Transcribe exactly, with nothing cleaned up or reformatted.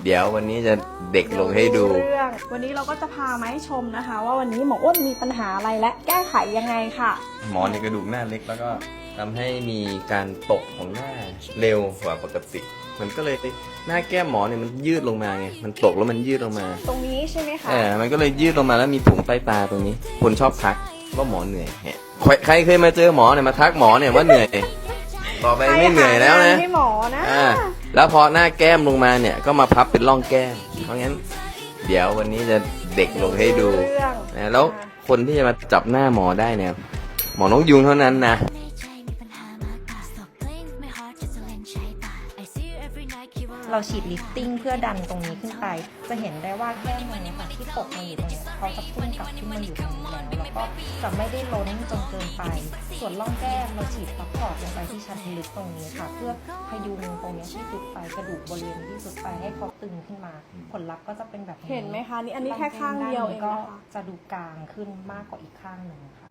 เดี๋ยววันนี้จะเด็กลงให้ดูเรื่องวันนี้เราก็จะพามาให้ชมนะคะ ว่าวันนี้หมออ้วนมีปัญหาอะไรและแก้ไขยังไงค่ะหมอในกระดูกหน้าเล็กแล้วก็ทำให้มีการตกของหน้าเร็วกว่าปกติ มันก็เลยหน้าแก้มหมอเนี่ยมันยืดลงมาไงมันตกแล้วมันยืดลงมาตรงนี้ใช่ไหมคะเออมันก็เลยยืดลงมาแล้วมีถุงใต้ตาตรงนี้ คนชอบทักว่าหมอเหนื่อยแฮะใครใครเคยมาเจอหมอเนี่ยมาทักหมอเนี่ยว่าเหนื่อยต่อไปไม่เหนื่อยแล้วนะให้หมอนะอ่าแล้วพอหน้าแก้มลงมาเนี่ยก็มาพับเป็นร่องแก้ม เพราะงั้น เดี๋ยววันนี้จะเด็กลงให้ดูเรื่องนะแล้วคนที่จะมาจับหน้าหมอได้เนี่ยหมอน้องยุงเท่านั้นนะเราฉีดลิฟติ้งเพื่อดันตรงนี้ขึ้นไป จะเห็นได้ว่าแก้มมันค่ะที่ตกมาอยู่ตรงนี้เขาจะพุ่งกลับขึ้นมาอยู่ตรงนี้แล้วแล้วก็จะไม่ได้ล้นจนเกินไป ส่วนร่องแก้มเราฉีดซัพพอร์ตลงไปที่ชั้นลึกตรงนี้ค่ะ เพื่อพยุงตรงนี้ที่สุดไปกระดูกบริเวณที่สุดไปให้เขาตึงขึ้นมา ผลลัพธ์ก็จะเป็นแบบนี้เห็นไหมคะนี่อันนี้แค่ข้างเดียวเองก็นะคะจะดูกลางขึ้นมากกว่าอีกข้างหนึ่งค่ะ